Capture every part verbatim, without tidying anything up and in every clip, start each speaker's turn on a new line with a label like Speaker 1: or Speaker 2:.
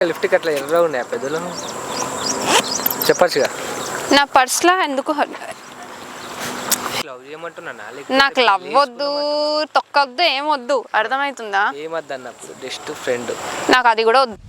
Speaker 1: లిఫ్ట్కి అట్లా ఎర్ర ఉన్నాయి పెద్దలు చెప్పచ్చుగా.
Speaker 2: నా పర్స్లో ఎందుకు
Speaker 1: లవ్ చేయమంటున్నా.
Speaker 2: నాకు లవ్ వద్దు, తొక్కవద్దు, ఏమొద్దు, అర్థమవుతుందా?
Speaker 1: ఏమద్దు అన్నప్పుడు జస్ట్ ఫ్రెండ్.
Speaker 2: నాకు అది కూడా వద్దు.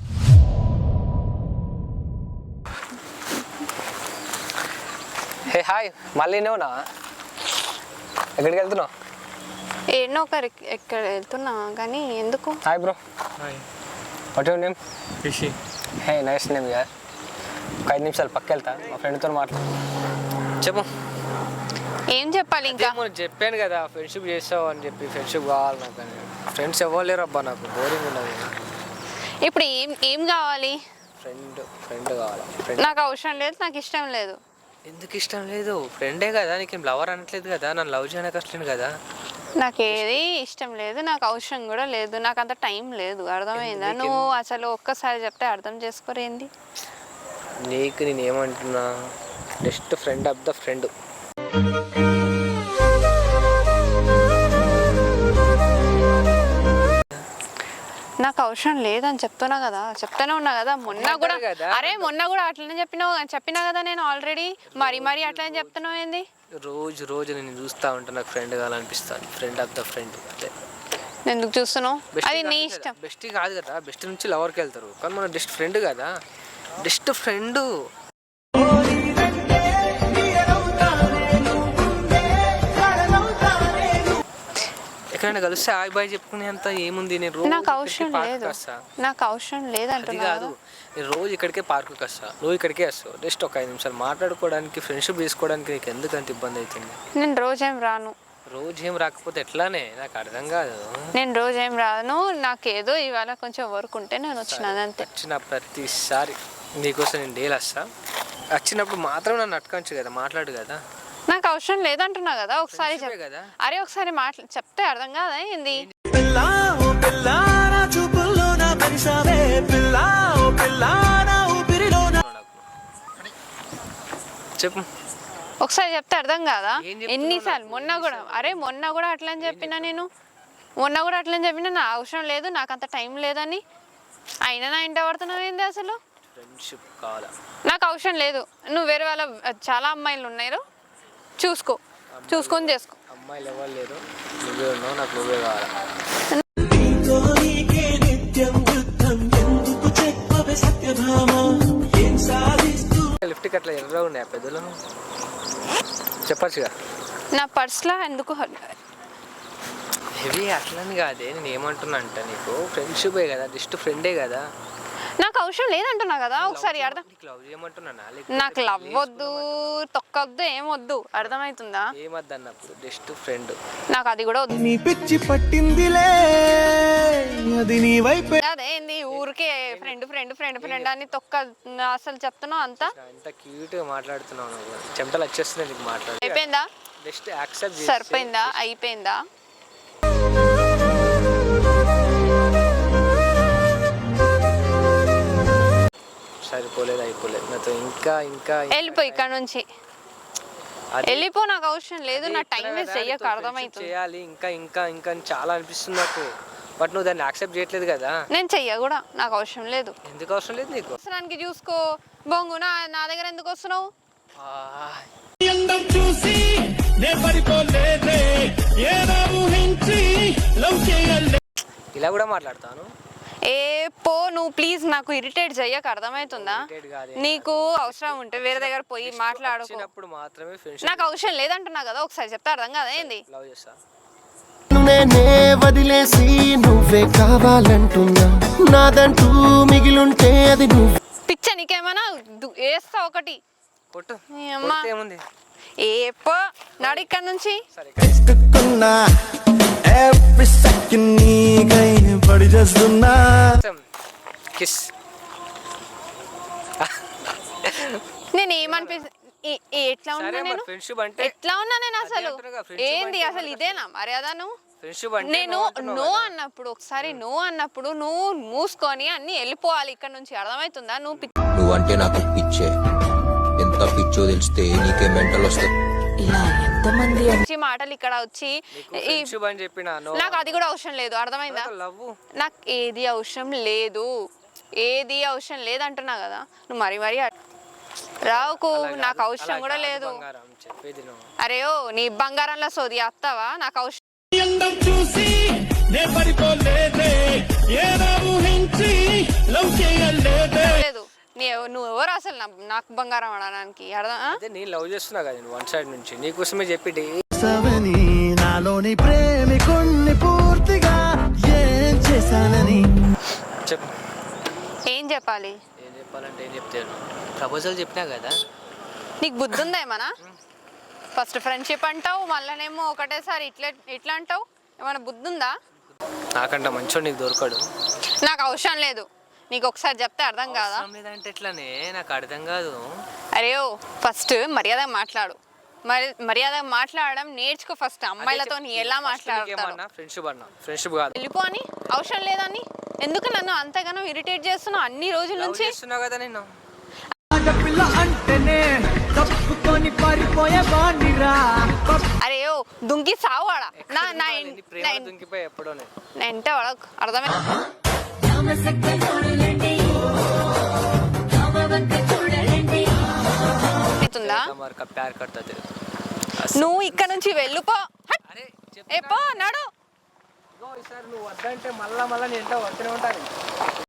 Speaker 1: హే హాయ్, మళ్ళీ నువ్వునా ఎక్కడికి వెళ్తున్నావు?
Speaker 2: ఏడో ఒకరు ఎక్కడ వెళ్తున్నా కానీ ఎందుకు?
Speaker 1: Hi bro. What your name? Rishi. Hey nice name యార్. ఒక ఐదు నిమిషాలు పక్క వెళ్తా, మా ఫ్రెండ్తో మాట్లాడు. చెప్పు.
Speaker 2: ఏం చెప్పాలి ఇంకా?
Speaker 1: చెప్పాను కదా ఫ్రెండ్షిప్ చేస్తావు అని చెప్పి. ఫ్రెండ్షిప్ కావాలి నాకు అని. ఫ్రెండ్స్ ఇవ్వలేరు అబ్బా, నాకు బోరింగ్ ఉన్నది.
Speaker 2: ఇప్పుడు ఏం ఏం కావాలి?
Speaker 1: ఫ్రెండ్ ఫ్రెండ్ కావాలి.
Speaker 2: నాకు అవసరం లేదు, నాకు ఇష్టం లేదు.
Speaker 1: ఎందుకు ఇష్టం లేదు? ఫ్రెండే కదా, నీకేం లవర్ అనట్లేదు కదా, నన్ను లవ్ చేయడానికి వస్తలేదు కదా.
Speaker 2: నాకు ఏది ఇష్టం లేదు, నాకు అవసరం కూడా లేదు, నాకు అంత టైం లేదు. అర్థమైందా? నువ్వు అసలు ఒక్కసారి చెప్తే అర్థం చేసుకోరేంది?
Speaker 1: నీకు నేను ఏమంటున్నా, just friend of the friend.
Speaker 2: నాకు అవసరం లేదని చెప్తున్నా కదా, చెప్తానే ఉన్నా కదా. మొన్న కూడా అరే మొన్న కూడా అట్లనే చెప్పినావు చెప్పినా కదా నేను ఆల్రెడీ. మరి మరి అట్లనే చెప్తున్నావు ఏంది?
Speaker 1: రోజు రోజు నేను చూస్తా ఉంటా, నాకు ఫ్రెండ్ కావాలనిపిస్తాను. ఫ్రెండ్ ఆఫ్ ద ఫ్రెండ్ అంతే.
Speaker 2: ఎందుకు చూస్తున్నావు? అది నీ ఇష్టం.
Speaker 1: బెస్ట్ కాదు కదా, బెస్ట్ నుంచి లవర్కి వెళ్తారు కానీ మనం జస్ట్ ఫ్రెండ్ కదా. Just friend. ఎక్కడైనా కలిస్తే ఆయి బాయ్ చెప్పుకునే అంత ఏముంది. నేను రోజు
Speaker 2: నాకు అవసరం లేదు, నాకు అవసరం లేదు అంటే
Speaker 1: కాదు. నేను రోజు ఇక్కడికే పార్కుకి వస్తా, రోజు ఇక్కడికే వస్తావు. జస్ట్ ఒక ఐదు నిమిషాలు మాట్లాడుకోవడానికి, ఫ్రెండ్షిప్ తీసుకోవడానికి నీకు ఎందుకంత ఇబ్బంది అవుతుంది?
Speaker 2: నేను రోజేం రాను.
Speaker 1: రోజు ఏం రాకపోతే ఎట్లానే? నాకు అర్థం కాదు.
Speaker 2: నేను రోజు ఏం రాను, నాకేదో ఇవాళ కొంచెం వర్క్ ఉంటే నేను వచ్చిన అంతే.
Speaker 1: వచ్చిన ప్రతిసారి నీకోసం నేను డైలీ వస్తా. వచ్చినప్పుడు మాత్రం నన్ను అట్టుకోవచ్చు కదా, మాట్లాడు కదా.
Speaker 2: నాకు అవసరం లేదంటున్నా కదా. ఒకసారి కదా, అరే ఒకసారి మాట్లా చెప్తే అర్థం కాదా ఏంది?
Speaker 1: చెప్పు.
Speaker 2: ఒకసారి చెప్తే అర్థం కాదా? ఎన్నిసార్లు? మొన్న కూడా అరే మొన్న కూడా అట్లని చెప్పినా నేను. మొన్న కూడా అట్లని చెప్పినా నా అవసరం లేదు, నాకు అంత టైం లేదని. అయినా నా ఇంట పడుతున్నావు ఏంది అసలు?
Speaker 1: ఫ్రెండ్షిప్ కావాలా?
Speaker 2: నాకు అవసరం లేదు. నువ్వు వేరే వాళ్ళ చాలా అమ్మాయిలు ఉన్నారు, చూసుకో, చూసుకొని చేసుకో.
Speaker 1: అమ్మాయిలు ఎవరు లేరు, నువ్వే ఉన్నావు, నాకు నువ్వే కావాలా. లిఫ్ట్కి అట్లా ఎర్ర ఉన్నాయి పెద్దలు చెప్పచ్చుగా.
Speaker 2: నా పర్స్లో ఎందుకు
Speaker 1: హెవీ అట్లని కాదే. నేను ఏమంటున్నా అంటే నీకు ఫ్రెండ్షిపే కదా, జస్ట్ ఫ్రెండే కదా.
Speaker 2: నాకు అవసరం లేదంటున్నా కదా. ఒకసారి అర్థం. నాకు లవ్ వద్దు, తొక్కవద్దు, ఏమొద్దు, అర్థమవుతుందా?
Speaker 1: ఏమద్దు అన్నప్పుడు జస్ట్ ఫ్రెండ్.
Speaker 2: నాకు అది కూడా వద్దు. అదే ఏంది ఊరికే ఫ్రెండ్ ఫ్రెండ్ ఫ్రెండ్ ఫ్రెండ్ అని తొక్క అసలు చెప్తున్నావు అంతా.
Speaker 1: అంత క్యూట్ గా మాట్లాడుతున్నావు, చెమటలు వచ్చేస్తున్నాయి నీకు. మాట్లాడు
Speaker 2: అయిపోయిందా?
Speaker 1: Just accept.
Speaker 2: సరిపోయిందా? అయిపోయిందా?
Speaker 1: సరిపోలేదు, అయిపోలేదు. నాతో ఇంకా ఇంకా
Speaker 2: వెళ్ళిపో ఇక్కడ నుంచి, వెళ్ళిపో. నాకు అవసరం లేదు, నా టైం వేస్ట్ చెయ్యక. అర్థమవుతుంది.
Speaker 1: చేయాలి ఇంకా ఇంకా ఇంకా చాలా అనిపిస్తుంది నాకు, బట్ నువ్వు దాన్ని యాక్సెప్ట్ చేయట్లేదు కదా.
Speaker 2: నేను చెయ్య కూడా, నాకు అవసరం లేదు.
Speaker 1: ఎందుకు అవసరం లేదు నీకు?
Speaker 2: అవసరానికి చూసుకో బొంగు. నా నా దగ్గర ఎందుకు వస్తున్నావు?
Speaker 1: ఇలా కూడా మాట్లాడతాను.
Speaker 2: ఏ పో నువ్వు ప్లీజ్, నాకు ఇరిటేట్ చెయ్యక. అర్థమవుతుందా? నీకు అవసరం ఉంటే వేరే దగ్గర పోయి మాట్లాడుకున్నప్పుడు మాత్రమే. నాకు అవసరం లేదంటున్నా కదా. ఒకసారి చెప్తే అర్థం కదా ఏంది?
Speaker 1: లవ్ చేస్తా
Speaker 3: నేనే వదిలేసి నువ్వే కావాలంటున్నా, నాదంటూ మిగిలుంటే అది నువ్వు.
Speaker 2: పిచ్చ నీకేమన్నా వేస్తా ఒకటి
Speaker 1: కొట్టు. ఏముంది?
Speaker 2: ఏ పో నాడు ఇక్కడ నుంచి. నేను ఏమనిపిస్తుంది ఎట్లా ఉన్నా నేను ఎట్లా ఉన్నా నేను అసలు ఏంది అసలు ఇదేనా మర్యాద? నువ్వు నేను నో అన్నప్పుడు ఒకసారి నో అన్నప్పుడు నువ్వు మూసుకొని అన్ని వెళ్ళిపోవాలి ఇక్కడ నుంచి. అర్థమవుతుందా? నువ్వు
Speaker 4: నువ్వు అంటే నాకు పిచ్చే, ఎంత పిచ్చో తెలిస్తే నీకే మెంటల్ వస్తుంది.
Speaker 2: ఇలా ఎంతమంది వచ్చి మాటలు ఇక్కడ వచ్చి
Speaker 1: చెప్పినా
Speaker 2: నాకు అది కూడా అవసరం లేదు. అర్థమైందా? నాకు ఏది అవసరం లేదు. ఏది అవసరం లేదంటున్నా కదా నువ్వు మరి మరి రావుకు నాకు అవసరం కూడా లేదు. అరే ఓ నీ బంగారంలో సోది అత్తావా? నాకు అవసరం లేదు. నీ నువ్వు ఎవరు అసలు నాకు బంగారం అనడానికి? అర్థం
Speaker 1: నేను లవ్ చేస్తున్నా కదా నేను వన్ సైడ్ నుంచి నీకోసమే చెప్పి
Speaker 3: నాలోని ప్రేమికుణ్ణి పూర్తిగా ఏం చేశానని
Speaker 1: చెప్పు.
Speaker 2: ఏం చెప్పాలి?
Speaker 1: ఏం చెప్పాలంటే ఏం చెప్తాను? ప్రపోజల్ చెప్పినా కదా.
Speaker 2: నీకు బుద్ధి ఉందా ఏమన్నా? ఫస్ట్ ఫ్రెండ్షిప్ అంటావు, మళ్ళనేమో ఒకటేసారి ఇట్లా ఇట్లా అంటావు. ఏమైనా బుద్ధి ఉందా?
Speaker 1: నాకంట మంచోడు నీకు దొరకడు.
Speaker 2: నాకు అవసరం లేదు. నీకు ఒకసారి చెప్తే అర్థం కాదా?
Speaker 1: లేదంటే ఎట్లానే నాకు అర్థం కాదు.
Speaker 2: అరే ఓ ఫస్ట్ మర్యాదగా మాట్లాడు. మరి మర్యాదగా మాట్లాడడం నేర్చుకో ఫస్ట్. అమ్మాయిలతో ఎలా మాట్లాడతావు?
Speaker 1: ఫ్రెండ్షిప్ అన్నా ఫ్రెండ్షిప్ కాదు.
Speaker 2: వెళ్ళిపో అని అవసరం లేదని ఎందుకు నన్ను అంతగానో ఇరిటేట్ చేస్తున్నావు అన్ని రోజుల నుంచి?
Speaker 1: చేస్తున్నావు కదా నేను.
Speaker 2: అరే ఓ దుంకి సావాడా నా నా
Speaker 1: దుంకిపోయి ఎప్పుడో
Speaker 2: నా ఇంట వాడకు అర్థమే. నువ్వు ఇక్కడ నుంచి వెళ్ళిపో. ఏ పో నడు.
Speaker 1: నువ్వు వద్దంటే మళ్ళా మళ్ళా నేను ఎంట వస్తూనే ఉంటాను.